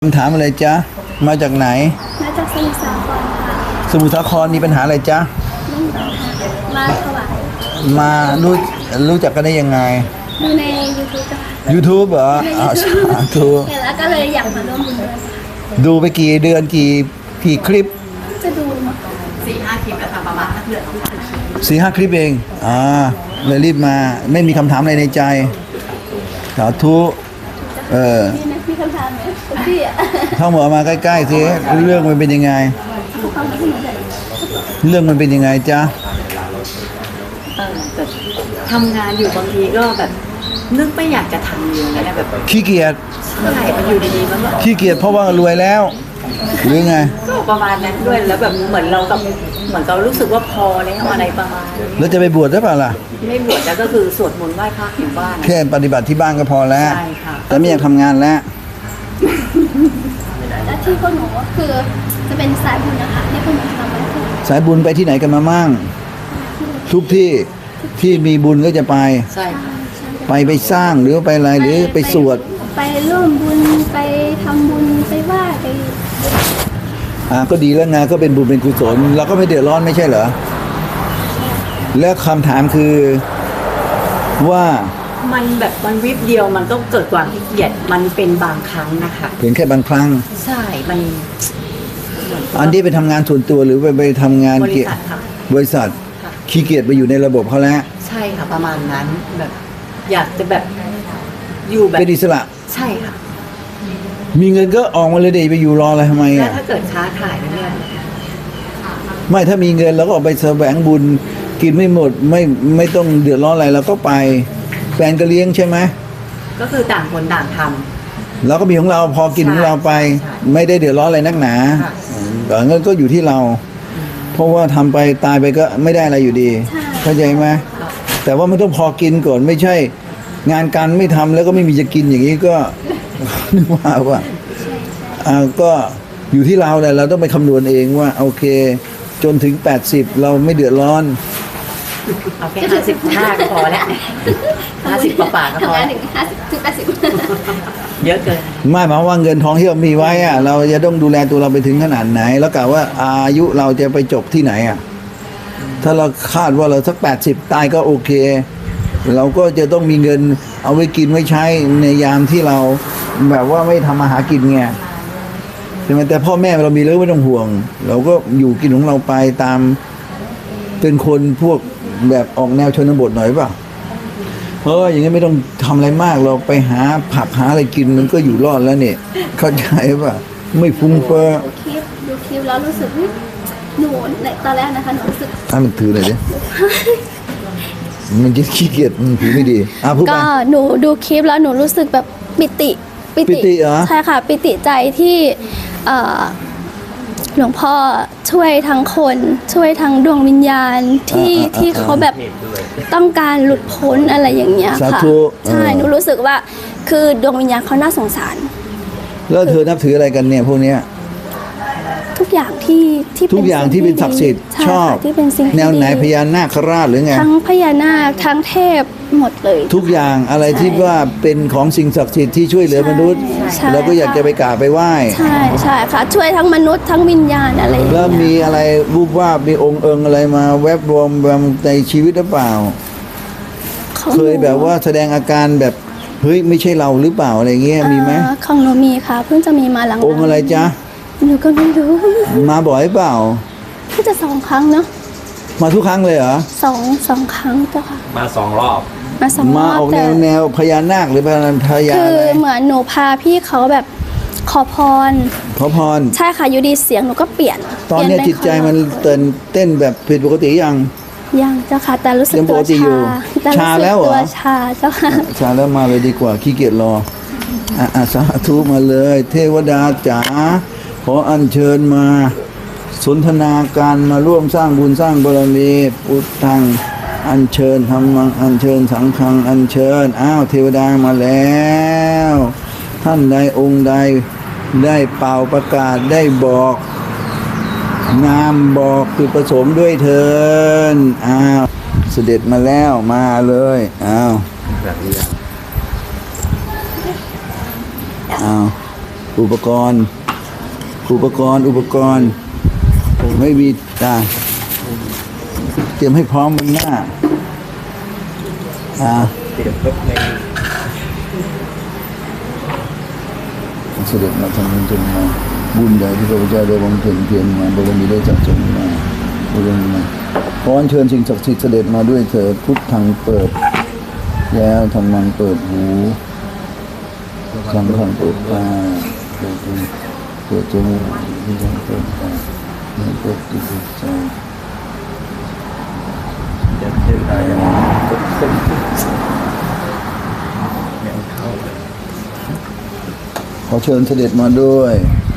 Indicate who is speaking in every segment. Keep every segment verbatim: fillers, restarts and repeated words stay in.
Speaker 1: คำถามอะไรจ๊ะมาจากไหน
Speaker 2: มาจากสมุทรสาครค่ะ
Speaker 1: สมุทรสาครมีปัญหาอะไรจ๊ะ
Speaker 2: ไม่มีปัญหามาถวาย
Speaker 1: มารู้รู้จักกันได้ยังไง
Speaker 2: ดูใน YouTube ค่ะ
Speaker 1: YouTube เหรออ่าสาธุ
Speaker 2: เห็นแล้วก็เลยอยากมาร่วมบุญด้วย
Speaker 1: ดูไปกี่เดือนกี่กี่คลิป
Speaker 2: จะดูมา
Speaker 3: สี่ห้าคลิปแล้วค่ะประมาณนักเดือนต้อง
Speaker 1: สี่ห้าคลิปเองอ่าเลยรีบมาไม่มีคำถามอะไรในใจสาธุเออ
Speaker 2: มีไหมมีคำถามไหมพี่อ่ะ
Speaker 1: เข้าหมอมาใกล้ๆสิเรื่องมันเป็นยังไงเรื่องมันเป็นยังไงจ๊ะ
Speaker 3: เออแบบทำงานอยู่บางทีก็แบบนึกไม่อยากจะทำอยู่นะแบบ
Speaker 1: ขี้เกียจ
Speaker 3: ใช่มันอยู่ดีๆมันก็
Speaker 1: ขี้เกียจเพราะว่ารวยแล้วหรือไง
Speaker 3: ก็ประมาณนั้นด้วยแล้วแบบเหมือนเรากับเหมือนเรารู้สึกว่าพอแล้วอะไรประมาณนี้
Speaker 1: แล้วจะไปบวชได้เปล่าล่ะ
Speaker 3: ไม่บวชแล้วก็คือสวดมนต์ไหว้พระอยู่บ้าน
Speaker 1: แค่ปฏิบัติที่บ้านก็พอแล้ว
Speaker 3: ใช่ค่ะ
Speaker 1: แต่ไม่อยากทำงานแล้ว
Speaker 2: และที่พวกหนูก็คือจะเป็นสายบุญนะคะที่พวกหนูทำไว้คือ
Speaker 1: สายบุญไปที่ไหนกันมามั่งทุกที่ที่มีบุญก็จะไป
Speaker 3: ใช่ค่ะ
Speaker 1: ไปไปสร้างหรือไปอะไรหรือไปสวด
Speaker 2: ไปร่วมบุญไปทำบุญไปไหว้ไป
Speaker 1: อ่าก็ดีแล้วไงก็เป็นบุญเป็นกุศลเราก็ไม่เดือดร้อนไม่ใช่เหรอแล้วคำถามคือว่า
Speaker 3: มันแบบมันวิบเดียวมันต้องเกิดความขี้เกียจมันเป็นบางครั้งนะคะ
Speaker 1: เพียงแค่บางครั้ง
Speaker 3: ใช่มัน
Speaker 1: อันที่ไปทำงานส่วนตัวหรือไปไปทำงาน
Speaker 3: บริษัทค่ะ
Speaker 1: บริษัทขี้เกียจไปอยู่ในระบบเขาแล้ว
Speaker 3: ใช่ค่ะประมาณนั้นแบบอยากจะแบบอยู่แบบ
Speaker 1: เป็นอิสระ
Speaker 3: ใช่ค่ะ
Speaker 1: มีเงินก็ออกมาเลยเดี๋ยวไปอยู่รออะไรทำไมอ่ะ
Speaker 3: ถ้าเกิดค้าขายเนี่ย
Speaker 1: ไม่ถ้ามีเงินเราก็ออกไปแสวงบุญกินไม่หมดไม่ไม่ต้องเดือดร้อนอะไรเราก็ไปแฟนก็เลี้ยงใช่ไหม
Speaker 3: ก็คือต่างคนต่างทำ
Speaker 1: เราก็มีของเราพอกินของเราไปไม่ได้เดือดร้อนอะไรนักหนาแต่เงินก็อยู่ที่เราเพราะว่าทำไปตายไปก็ไม่ได้อะไรอยู่ดีเข้าใจไหมแต่ว่ามันต้องพอกินก่อนไม่ใช่งานการไม่ทำแล้วก็ไม่มีจะกินอย่างนี้ก็นึกว่าว่าอ่าก็อยู่ที่เราแหละเราต้องไปคำนวณเองว่าโอเคจนถึงแปดสิบเราไม่เดือดร้อน
Speaker 3: เอาแค่ห้าสิบห้าก็พอแล้วห้าสิบกว่าบาทก็พอ
Speaker 2: ถึงห้าสิบถึงแปดสิบ
Speaker 3: เยอะเกิน
Speaker 1: ไม่หมายว่าเงินทองที่เรามีไว้อะเราจะต้องดูแลตัวเราไปถึงขนาดไหนแล้วกะว่าอายุเราจะไปจบที่ไหนอะถ้าเราคาดว่าเราสักแปดสิบตายก็โอเคเราก็จะต้องมีเงินเอาไว้กินไว้ใช้ในยามที่เราแบบว่าไม่ทำมาหากินไงใช่ไหมแต่พ่อแม่เรามีแล้วไม่ต้องห่วงเราก็อยู่กินของเราไปตามเป็นคนพวกแบบออกแนวชนบทหน่อยป่ะเพราะอย่างนี้ไม่ต้องทำอะไรมากเราไปหาผักหาอะไรกินมันก็อยู่รอดแล้วเนี่ยเข้าใจป่ะไม่ฟุ้งเฟ้อ
Speaker 2: ดูคลิปดูคลิปแล้วรู้สึกหนูในตอนแรกนะคะหนูรู้สึก
Speaker 1: อ่ะมันถือเลยดิมันจะขี้เกียจมันถือไม่ดีอ่ะพูดไป
Speaker 2: ก็หนูดูคลิปแล้วหนูรู้สึกแบบปิติ
Speaker 1: ปิติเหรอ
Speaker 2: ใช่ค่ะปิติใจที่หลวงพ่อช่วยทั้งคนช่วยทั้งดวงวิญญาณที่ที่เขาแบบต้องการหลุดพ้นอะไรอย่างเงี้ยค่ะใช่หนูรู้สึกว่าคือดวงวิญญาณเขาน่าสงสาร
Speaker 1: แล้วเธอนับถืออะไรกันเนี่ยพวกเนี้ย
Speaker 2: ทุกอย่างที่ที่
Speaker 1: ทุกอย่างที่เป็นศักดิ์สิทธิ์ชอบ
Speaker 2: ที่เป็นสิ่ง
Speaker 1: แนวไหนพญานาคราชหรือไง
Speaker 2: ทั้งพญานาคทั้งเทพหมดเลย
Speaker 1: ทุกอย่างอะไรที่ว่าเป็นของสิ่งศักดิ์สิทธิ์ที่ช่วยเหลือมนุษย์เราก็อยากจะไปกราบไปไหว้
Speaker 2: ใช่ใช่ค่ะช่วยทั้งมนุษย์ทั้งวิญญาณอะไร
Speaker 1: แล้วมีอะไรรูปวาดมีองค์เอิงอะไรมาแวบรวมในชีวิตหรือเปล่าเคยแบบว่าแสดงอาการแบบเฮ้ยไม่ใช่เราหรือเปล่าอะไรเงี้ยมีไหม
Speaker 2: ของหนูมีค่ะเพิ่งจะมีมาหลัง
Speaker 1: องค์อะไรจ๊ะ
Speaker 2: หนูก็ไม่รู้
Speaker 1: มาบ่อยเปล่า
Speaker 2: เพิ่งจะสองครั้งเนาะ
Speaker 1: มาทุกครั้งเลยเหรอ
Speaker 2: สองสองครั้งเจ้าค่ะ
Speaker 4: มาสองรอบ
Speaker 2: มาสองรอบ
Speaker 1: มาออกแนวแนวพญานาคหรือพญาพญา
Speaker 2: คือเหมือนหนูพาพี่เขาแบบขอพร
Speaker 1: ขอพร
Speaker 2: ใช่ค่ะอยู่ดีเสียงหนูก็เปลี่ยน
Speaker 1: ตอนนี้จิตใจมันเต้นเต้นแบบผิดปกติยัง
Speaker 2: ยังเจ้าค่ะแต่รู้สึกตัวชา
Speaker 1: ชาแล้วเหรอ
Speaker 2: ตัวชาเจ้าค่ะ
Speaker 1: ชาแล้วมาเลยดีกว่าขี้เกียจรออ่ะสาธุมาเลยเทวดาจ๋าขออัญเชิญมาสนทนาการมาร่วมสร้างบุญสร้างบารมีพุทธังอัญเชิญธรรมังอัญเชิญสังฆังอัญเชิญอ้าวเทวดามาแล้วท่านใดองค์ใดได้เป่าประกาศได้บอกนามบอกคือประสมด้วยเถิดอ้าวเสด็จมาแล้วมาเลยอ้าวอ้าว ปอุปกรณ์ อุปกรณ์อุปกรณ์ไม่มีตาเตรียมให้พร้อมมันหน้าอ่าเตรียมรถในเสด็จมาทำบุญจนมาบุญใหญ่ที่พระพุทธเจ้าได้บำเพ็ญเพียรมาบารมีได้จัดสมมาบารมีมาขออัญเชิญสิ่งศักดิ์สิทธิ์เสด็จมาด้วยเถิดพุทธังเปิดแล้วธรรมังเปิดหูสังฆังเปิดตาเปิดหูเปิดจมูกที่ทำเปิดตาเปิดจิตใจจะเดินได้ยังไงก็ขึ้นขอเชิญเสด็จมาด้วย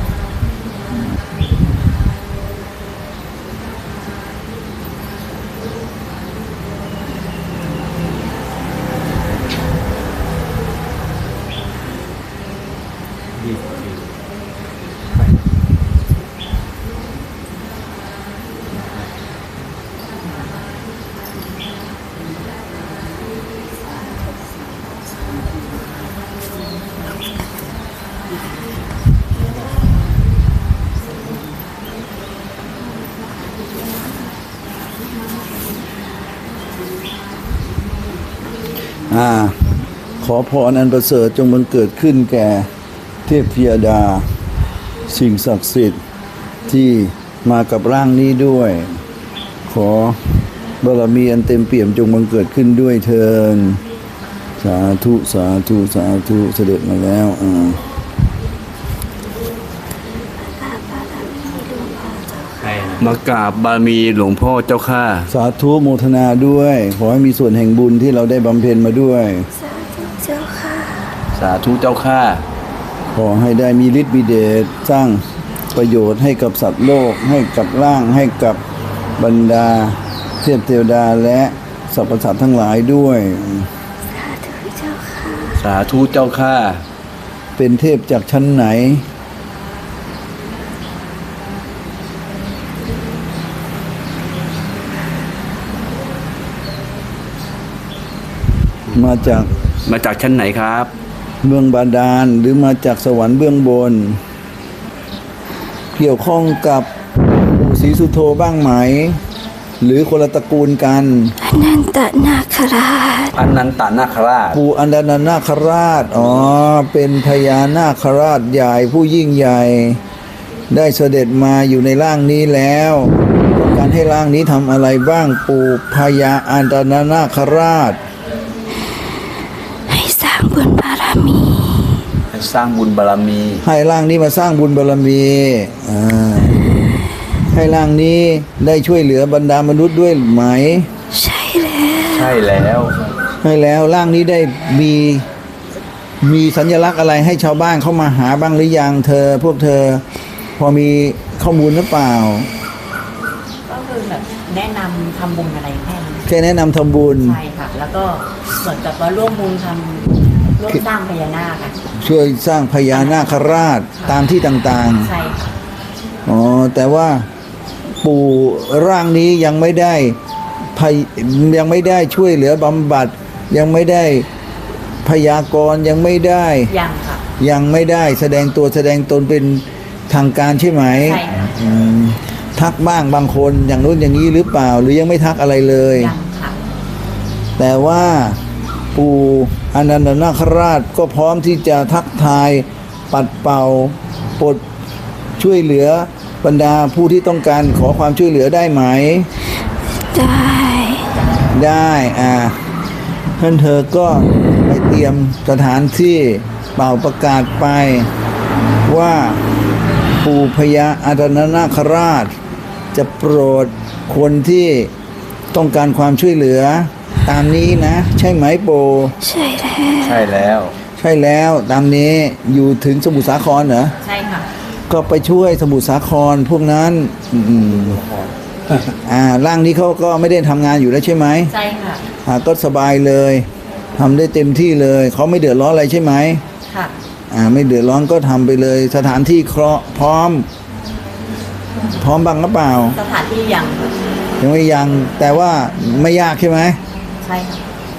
Speaker 1: อ่าขอพรอันประเสริฐจงบังเกิดขึ้นแก่เทพธิดาสิ่งศักดิ์สิทธิ์ที่มากับร่างนี้ด้วย ขอบารมีอันเต็มเปี่ยมจงบังเกิดขึ้นด้วยเถิดสาธุสาธุสาธุเสด็จมาแล้วอ่ามากราบบารมีหลวงพ่อเจ้าข้าสาธุโมทนาด้วยขอให้มีส่วนแห่งบุญที่เราได้บำเพ็ญมาด้วยสาธุเจ้าข้าสาธุเจ้าข้าขอให้ได้มีฤทธิ์มีเดชสร้างประโยชน์ให้กับสัตว์โลกให้กับร่างให้กับบรรดาเทพเทวดาและสรรพสัตว์ทั้งหลายด้วยสาธุเจ้าข้าสาธุเจ้าข้าเป็นเทพจากชั้นไหนมาจากมาจากชั้นไหนครับเมืองบาดาลหรือมาจากสวรรค์เบื้องบนเกี่ยวข้องกับปู่ศรีสุโธบ้างไหมหรือคนละตระกูลกันอนันตนาคราชอนันตนาคราชปู่อนันตนาคราชอ๋อเป็นพญานาคราชใหญ่ผู้ยิ่งใหญ่ได้เสด็จมาอยู่ในร่างนี้แล้วต้องการให้ร่างนี้ทำอะไรบ้างปู่พญาอนันตนาคราชบุญบารมีให้สร้างบุญบารมีให้ร่างนี้มาสร้างบุญบารมีอ่าให้ร่างนี้ได้ช่วยเหลือบรรดามนุษย์ด้วยไหมใช่แล้วใช่แล้วให้แล้วร่างนี้ได้มีมีสัญลักษณ์อะไรให้ชาวบ้านเข้ามาหาบ้างหรือยังเธอพวกเธอพอมีข้อมูลหรือเปล่า
Speaker 3: ก็คือแบบแนะนำทำบุญอะไรแค่นั้น
Speaker 1: แค่แนะนำทำบุญ
Speaker 3: ใช่ค่ะแล้วก็เหมือนกับว่าร่วมบุญทำร่วมสร้างพญานาคค่ะ
Speaker 1: ช่วยสร้างพญานาคราชตามที่ต่าง
Speaker 3: ๆใช่ค่ะ
Speaker 1: อ๋อแต่ว่าปู่ร่างนี้ยังไม่ได้ยังไม่ได้ช่วยเหลือบำบัดยังไม่ได้พยากรณ์ยังไม่ได้
Speaker 3: ยังค่ะ
Speaker 1: ยังไม่ได้แสดงตัวแสดงตนเป็นทางการใช่ไหม
Speaker 3: ใช่ค่ะ
Speaker 1: ทักบ้างบางคนอย่างนู้นอย่างนี้หรือเปล่าหรือยังไม่ทักอะไรเลย
Speaker 3: ยังค่ะ
Speaker 1: แต่ว่าปู่อนันตนาคราชก็พร้อมที่จะทักทายปัดเป่าปลดช่วยเหลือบรรดาผู้ที่ต้องการขอความช่วยเหลือได้ไหม
Speaker 2: ได้
Speaker 1: ได้อ่าท่านเธอก็ไปเตรียมสถานที่เป่าประกาศไปว่าปู่พญาอนันตนาคราชจะโปรดคนที่ต้องการความช่วยเหลือตามนี้นะใช่ไหมโป
Speaker 2: ใช่แล้ว
Speaker 1: ใช่แล้วใช่แล้วตามนี้อยู่ถึงสมุทรสาครเหรอ
Speaker 3: ใช่ค่ะ
Speaker 1: ก็ไปช่วยสมุทรสาครพวกนั้นอืมอ่าร่างนี้เขาก็ไม่ได้ทำงานอยู่แล้วใช่ไหม
Speaker 3: ใช่ค่ะ
Speaker 1: อ่าก็สบายเลยทำได้เต็มที่เลยเขาไม่เดือดร้อนอะไรใช่ไหม
Speaker 3: ค่ะ
Speaker 1: อ่าไม่เดือดร้อนก็ทำไปเลยสถานที่เคราะห์พร้อมพร้อมบ้างหรือเปล่า
Speaker 3: สถานที่ยัง
Speaker 1: ยังไม่ยังแต่ว่าไม่ยากใช่ไหม
Speaker 3: ใช่ค่ะ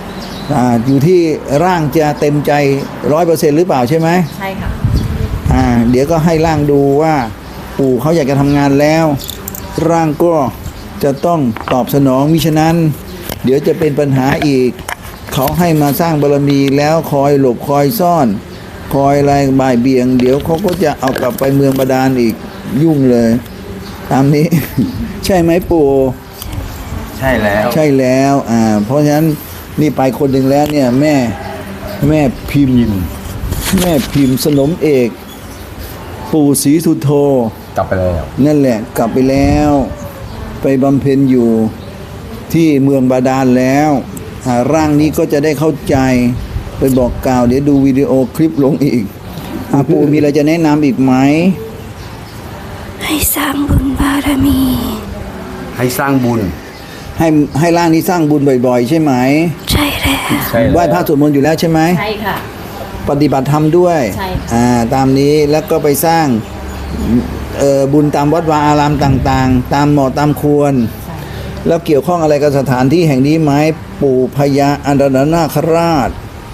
Speaker 1: อ่าอยู่ที่ร่างจะเต็มใจร้อยเปอร์เซ็นต์หรือเปล่าใช่ไหม
Speaker 3: ใช่ค่ะ
Speaker 1: อ่าเดี๋ยวก็ให้ร่างดูว่า ปู่เขาอยากจะทำงานแล้ว ร่างก็จะต้องตอบสนองมิฉะนั้น เดี๋ยวจะเป็นปัญหาอีก เขาให้มาสร้างบารมีแล้วคอยหลบคอยซ่อน คอยอะไรบ่ายเบี่ยง เดี๋ยวเขาก็จะเอากลับไปเมืองบาดาลอีกยุ่งเลย ตามนี้ ใช่ไหมปู่
Speaker 4: ใช่แล้ว
Speaker 1: ใช่แล้วอ่าเพราะฉะนั้นนี่ไปคนหนึ่งแล้วเนี่ยแม่แม่พิมพ์ แม่พิมพ์สนมเอก ปู่ศรีสุโธ
Speaker 4: กลับไปแล้ว
Speaker 1: นั่นแหละกลับไปแล้ว ไปบำเพ็ญอยู่ที่เมืองบาดาลแล้วอ่าร่างนี้ก็จะได้เข้าใจไปบอกกล่าวเดี๋ยวดูวิดีโอคลิปลงอีกอาปู่มีอะไรจะแนะนำอีกไหม
Speaker 2: ให้สร้างบุญบารมี
Speaker 4: ให้สร้างบุญ
Speaker 1: ให้ให้ร่างนี้สร้างบุญบ่อยๆ ใช่ไหม
Speaker 2: ใช่แล้ว
Speaker 4: ใช่แล้ว
Speaker 1: ไหว้พระสวดมนต์อยู่แล้วใช่ไหม
Speaker 3: ใช่ค่ะ
Speaker 1: ปฏิบัติธรรมด้วย
Speaker 3: ใช่ค่ะ
Speaker 1: อ่าตามนี้แล้วก็ไปสร้างเอ่อบุญตามวัดวาอารามต่างๆ ตามเหมาะตามควร
Speaker 3: ใช่
Speaker 1: แล้วเกี่ยวข้องอะไรกับสถานที่แห่งนี้ไหมปู่พญาอันดรนาคราช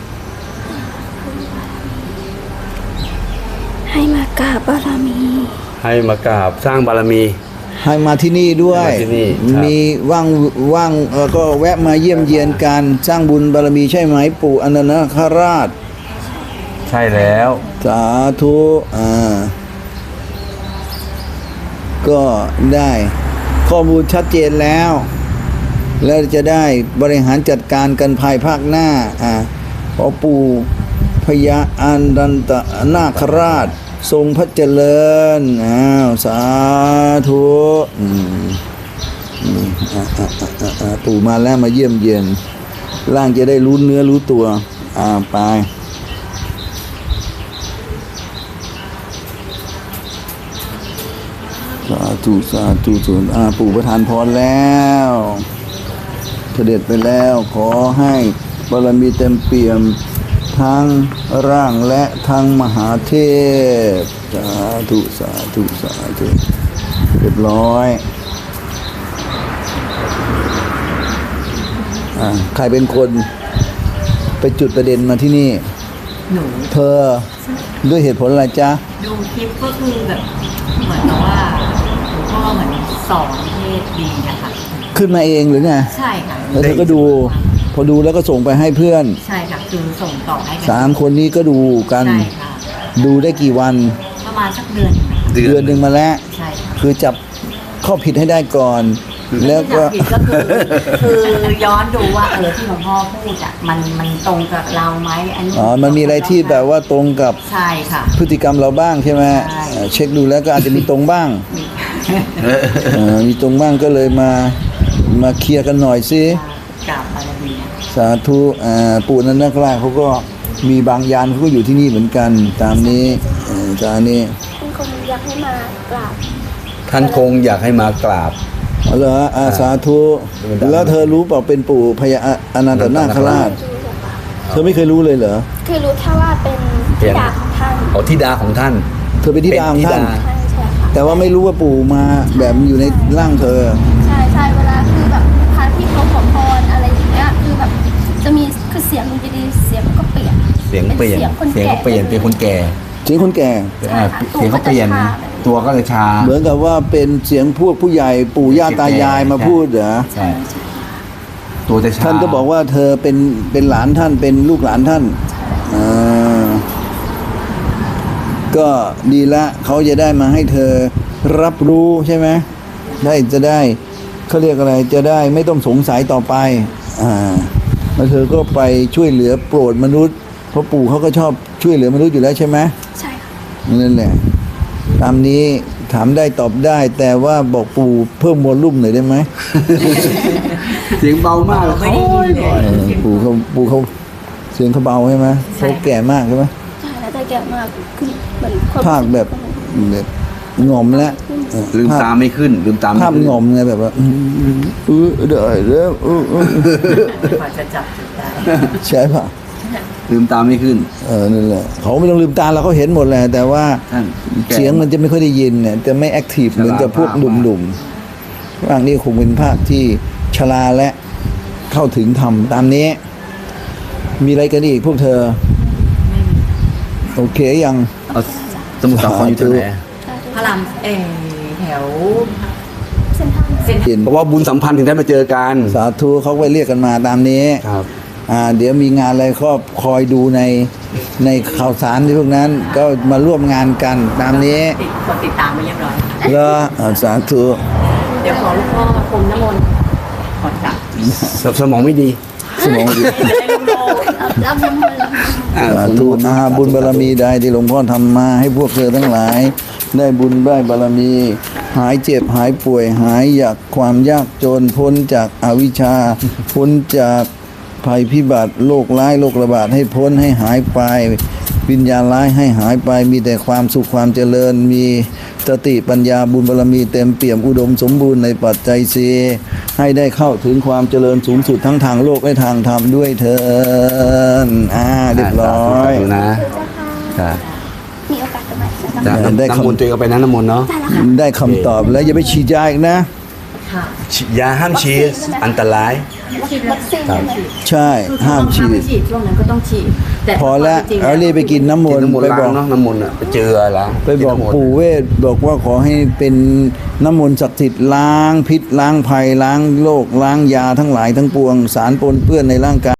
Speaker 2: ให้มากราบบารมี
Speaker 4: ให้มากราบสร้างบารมี
Speaker 1: ให้มาที่นี่ด้วย
Speaker 4: ให้มาที่นี่ครับ
Speaker 1: มีว่างว่างแล้วก็แวะมาเยี่ยมเยียนการสร้างบุญบารมีใช่ไหมปู่อันดรนาคราช
Speaker 4: ใช่แล้ว
Speaker 1: สาธุอ่าก็ได้ข้อมูลชัดเจนแล้ว แล้วจะได้บริหารจัดการกันภายภาคหน้าอ่าขอปู่พญาอันดันตนาคราช ทรงพระเจริญอ้าวสาธุอืมอืมอ่าอ่าอ่าอ่าอ่าปู่มาแล้วมาเยี่ยมเยียนร่างจะได้รู้เนื้อรู้ตัวอ่าไปสาธุสาธุส่วนอาปู่ประทานพรแล้วเสด็จไปแล้วขอให้บารมีเต็มเปี่ยมทั้งร่างและทั้งมหาเทพสาธุสาธุสาธุเรียบร้อยอ่าใครเป็นคนไปจุดประเด็นมาที่นี่
Speaker 3: หนู
Speaker 1: เธอด้วยเหตุผลอะไรจ๊ะ
Speaker 3: ดูคลิปก็คือแบบเหมือนกับว่าหลวงพ่อเหมือนสอนเทศดีนะคะ
Speaker 1: ขึ้นมาเองหรือไง
Speaker 3: ใช่ค่ะ
Speaker 1: แล้วเธอก็ดู พอดูแล้วก็ส่งไปให้เพื่อน
Speaker 3: ใช่ค่ะคือส่งต่อให้กั
Speaker 1: สามคนนี้ก็ดูกัน
Speaker 3: ใช่ค่ะ
Speaker 1: ดูได้กี่วัน
Speaker 3: ประมาณสักเดือนหนึ่งนะคะ
Speaker 1: เดือนหนึ่งมาแล้ว
Speaker 3: ใช่ค่ะ
Speaker 1: คือจับข้อผิดให้ได้ก่อน แล้วก็
Speaker 3: ที่จับผิดก็คือคือย้อนดูว่าเออที่หลวงพ่อพูดอ่ะมันมันตรงกับเราไหมอันนี้
Speaker 1: อ๋อ มันมีอะไรที่แบบว่าตรงกับ
Speaker 3: ใช่ค่ะ
Speaker 1: พฤติกรรมเราบ้างใช่ไหม
Speaker 3: ใช่
Speaker 1: เอ่อเช็คดูแล้วก็อาจจะมีตรงบ้าง
Speaker 3: มี
Speaker 1: เออมีตรงบ้างก็เลยมามาเคลียร์กันหน่อยสิ
Speaker 3: กราบบารมี
Speaker 1: สาธุอ่าปู่นันนักล่าเขาก็มีบางยานเขาก็อยู่ที่นี่เหมือนกัน ตามนี้เอ่อตามนี้
Speaker 2: เป็นคนอยากให้มากราบ
Speaker 4: ท่านคงอยากให้มากราบ
Speaker 1: เอาเหรออาสาธุ แล้วเธอรู้เปล่าเป็นปู่พญาอนันตนาคราช เธอไม่เคยรู้เลยเหรอ
Speaker 2: คือรู้แค่ว่าเป็นธิดาของท่าน
Speaker 4: เอาธิดาของท่าน
Speaker 1: เธอเป็นธิดาของท่าน
Speaker 4: เป็นธิดา
Speaker 2: ใช่ใช่ค่ะ
Speaker 1: แต่ว่าไม่รู้ว่าปู่มาแบบอยู่ในร่างเธอ
Speaker 2: ใช่ใช่เวลาคือแบบพระที่เขาขอพรอะไรอย่างเงี้ยคือแบบจะมีคือเสียงมันจะดีเสียงมันก็เปลี่ยน
Speaker 4: เสียงเปลี่ยน
Speaker 2: เสียงคน
Speaker 4: เสียง
Speaker 2: แก่
Speaker 4: เขาเปลี่ยนเป็นคนแก่
Speaker 1: เสียงคนแก่
Speaker 2: ใช่ค่ะ
Speaker 4: เสียงเขาเปลี่ยน
Speaker 2: ตัวก็จะชา
Speaker 4: ตัวก็เลยชา
Speaker 1: เหมือนกับว่าเป็นเสียงพวกผู้ใหญ่ปู่ย่าตายายมาพูดเหรอ
Speaker 4: ใช่ ตัวจะชา
Speaker 1: ท่านก็บอกว่าเธอเป็นเป็นหลานท่านเป็นลูกหลานท่านอ่าก็ดีละเขาจะได้มาให้เธอรับรู้ใช่ไหมได้จะได้เขาเรียกอะไรจะได้ไม่ต้องสงสัยต่อไปอ่าแล้วเธอก็ไปช่วยเหลือโปรดมนุษย์เพราะปู่เขาก็ชอบช่วยเหลือมนุษย์อยู่แล้วใช่ไหม
Speaker 2: ใช่ค่ะ
Speaker 1: นั่นแหละตามนี้ถามได้ตอบได้ แต่ว่าบอกปู่เพิ่มวอลลุ่มหน่อยได้ไหม
Speaker 4: เสียงเบามากเลย
Speaker 3: ไม่ได้ยินเลย
Speaker 1: เออปู่เขาปู่เขาเสียงเขาเบาใช่ไหม
Speaker 3: ใช่
Speaker 1: เขาแก่มากใช่ไหม
Speaker 2: ใช่แล้วแต่แก่มากคือเหมือนคน
Speaker 1: ภาคแบบแบบหง่อมแล้วเออ
Speaker 4: ลืม
Speaker 1: ภาพ
Speaker 4: ตาไม่ขึ้น ลืมตาไม่
Speaker 1: ภาพ
Speaker 4: ขึ้น
Speaker 1: หง่อมไงแบบว่าอืมเออได้แล้วเออเออก
Speaker 3: ว่าจะจับจุดได้
Speaker 1: ใช่ป่ะ
Speaker 4: ลืมตาไม่ขึ้น
Speaker 1: เออนั่นแหละเขาไม่ต้องลืมตาเราเขาเห็นหมดแหละแต่ว่า
Speaker 4: ท่านแก่
Speaker 1: เสียงมันจะไม่ค่อยได้ยินเนี่ยจะไม่แอคทีฟเหมือนกับพวกหนุ่มๆร่างนี้คงเป็นภาคที่ชราและเข้าถึงธรรมตามนี้ มีอะไรกันอีกพวกเธอ โอเคยัง
Speaker 4: เอาสสมุทรสาครอยู่ที่ไหน
Speaker 3: พระรามเออแถว
Speaker 2: เส้นทาง
Speaker 3: เซ็นทรัล
Speaker 4: เพราะว่าบุญสัมพันธ์ถึงได้มาเจอกัน
Speaker 1: สาธุเขาไปเรียกกันมาตามนี้
Speaker 4: ครับ
Speaker 1: อ่าเดี๋ยวมีงานอะไรก็คอยดูในในข่าวสารที่พวกนั้น ก็มาร่วมงานกันตามนี้
Speaker 3: ติดกดติดตามไปเรียบร้อย
Speaker 1: แล้วอ่าสาธุ
Speaker 3: เดี๋ยวขอหลูกพ่อพรมน้ำมนต์ก่อนกลับ
Speaker 4: สสมองไม่ดี
Speaker 1: สมองดี
Speaker 3: จะได้โล่ง
Speaker 2: รับน้ำมนต์แล้ว
Speaker 4: อ่า
Speaker 1: สาธุอาบุญบารมีใดที่หลวงพ่อทำมาให้พวกเธอทั้งหลาย ได้บุญได้บารมี หายเจ็บหายป่วย หายจากความยากจนพ้นจากอวิชชา พ้นจากภัยพิบัติโรคร้ายโรคระบาดให้พ้นให้หายไป วิญญาณร้ายให้หายไปมีแต่ความสุขความเจริญ มีสติปัญญาบุญบารมีเต็มเปี่ยมอุดมสมบูรณ์ในปัจจัยสีให้ได้เข้าถึงความเจริญสูงสุดทั้งทางโลกและทางธรรมด้วยเถิดอ่าเรียบร้อย
Speaker 4: สาธุนะครั
Speaker 2: มีโอกาสจะมาจะ
Speaker 4: จ้ะ
Speaker 1: ได้
Speaker 4: น้ำ
Speaker 1: คำ
Speaker 4: มนต์ตัวเองก็ไปนั้นน้ำมนต์เนาะ
Speaker 1: ได้คำตอบแล้วอย่าไปฉีดยาอีกนะ
Speaker 3: ๆค่ะ
Speaker 4: ยาห้ามฉีดอันตราย
Speaker 2: ฉีดวัคซีนใช่ไหม
Speaker 1: ใช่
Speaker 3: คือ
Speaker 1: ห้าม
Speaker 3: ต้อง
Speaker 1: ฉี
Speaker 3: ห้าม
Speaker 1: ด
Speaker 3: ไม่ฉีดช่วงนั้นก็ต้องฉีดแต่
Speaker 1: พอแล้ว
Speaker 3: จริงๆ
Speaker 1: เอารีบไปกินน้ำม
Speaker 4: กิ
Speaker 1: น
Speaker 4: น
Speaker 1: ต์
Speaker 4: น้ำมน
Speaker 1: ไป
Speaker 4: ต์
Speaker 1: บ
Speaker 4: ล้า
Speaker 1: อง ก
Speaker 4: เนาะน้ำมนต์อ่ะไปเจอล้าง
Speaker 1: ไปบอก
Speaker 4: นน้ำมนต์
Speaker 1: ปู่เวทบอกว่าขอให้เป็นน้ำมนต์ศักดิ์สิทธิ์ล้างพิษล้างภัยล้างโรคล้างยาทั้งหลายทั้งปวงสารปนเปื้อนในร่างกาย